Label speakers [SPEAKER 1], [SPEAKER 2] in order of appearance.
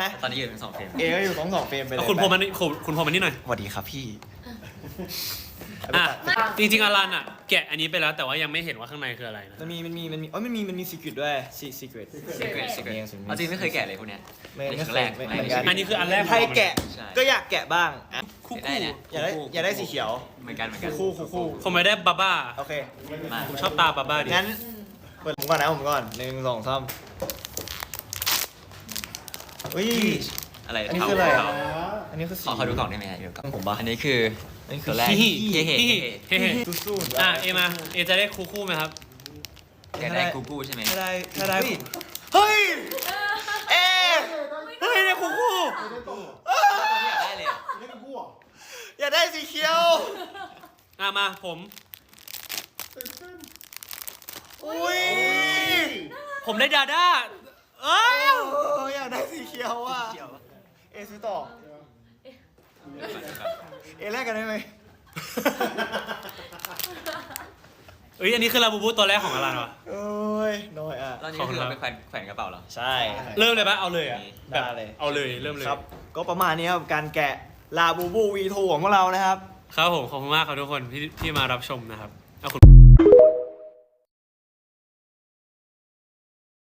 [SPEAKER 1] นะ
[SPEAKER 2] ตอนนี้อยู่ทั้ง2เฟรม
[SPEAKER 1] เอก็อยู่2เฟรมไปเลย
[SPEAKER 3] คุณพรมมันนี่หน่อย
[SPEAKER 1] สวัสดีครับพี่
[SPEAKER 3] อ่ะจริงๆอลันอ่ะแกะอันนี้ไปแล้วแต่ว่ายังไม่เห็นว่าข้างในคืออะไรนะ
[SPEAKER 1] มันมีซีเกรตด้วยซีเกรต
[SPEAKER 2] เอาจริงไม่เคยแกะเลยพวกเนี้ย
[SPEAKER 1] ไม่
[SPEAKER 2] นี่
[SPEAKER 1] ไม่
[SPEAKER 2] ครั้
[SPEAKER 1] เค
[SPEAKER 2] งแร
[SPEAKER 1] ย
[SPEAKER 2] ก
[SPEAKER 1] ไม่
[SPEAKER 2] ไม่
[SPEAKER 1] เหมือนกัน
[SPEAKER 3] อันนี้คืออันแรก
[SPEAKER 1] ใครแกะ
[SPEAKER 2] ใช่
[SPEAKER 1] ก็อยากแกะบ้างอ่ะ
[SPEAKER 3] คู่
[SPEAKER 2] ได้เนี่ย
[SPEAKER 1] อยากได้สีเขียว
[SPEAKER 2] เหมือนกัน
[SPEAKER 1] คู่
[SPEAKER 3] ผมไม่ได้บาบ้า
[SPEAKER 1] โอเค
[SPEAKER 2] มา
[SPEAKER 3] ผมชอบตาบาบ้าดิ
[SPEAKER 1] งั้นเปิดผมก่อนนะผมก่อน1 2 3อุ้ย
[SPEAKER 2] อะไร
[SPEAKER 1] อันนี้คืออะไร
[SPEAKER 2] เทา
[SPEAKER 1] อันนี้คือสี
[SPEAKER 2] ขอดูกล่องได้ไหมฮะดูกล่อง
[SPEAKER 1] ผมบ้า
[SPEAKER 2] อันนี้คือ
[SPEAKER 1] อันนี้คือ
[SPEAKER 2] ตัวแรก
[SPEAKER 3] ฮิ
[SPEAKER 2] เฮ้
[SPEAKER 3] ฮิ
[SPEAKER 2] เฮ้
[SPEAKER 3] ฮิฮิ
[SPEAKER 1] สู้ๆ
[SPEAKER 3] อ่ะเอมาเอจะได้คู่ไหมครับ
[SPEAKER 2] แกะได้กูกู้ใช่ไหม
[SPEAKER 1] ถ้าได้ เฮ้ย เอ๊ะ
[SPEAKER 3] เฮ้ยเนี่ยคู่
[SPEAKER 2] อยากได้เลย
[SPEAKER 1] อยากได้สีเขียว
[SPEAKER 3] อ่ะมาผม
[SPEAKER 1] อุ้ย
[SPEAKER 3] ผมได้ดาด้าเอ้ย
[SPEAKER 1] อยากได้สีเขียวอ่ะเอซื้อต่อ เอแลกกันได้ไหม
[SPEAKER 3] เอ้ยอันนี้คือลาบูบูตัวแรกของอลันวะ
[SPEAKER 1] โอ้ยน้อยอ่ะ
[SPEAKER 2] ตอนนี้คือเราไปแขวนกระเป๋าเหรอ
[SPEAKER 1] ใช่
[SPEAKER 3] เริ่มเลยปะเอาเลยอ่ะ
[SPEAKER 1] ได้เลย
[SPEAKER 3] เอาเลยเริ่มเลย
[SPEAKER 1] ครับ ก็ประมาณนี้ครับการแกะลาบูบูวีทูของพวกเรานะครับ
[SPEAKER 3] ครับผมขอบคุณมากครับทุกคนที่มารับชมนะครับเอาคุณ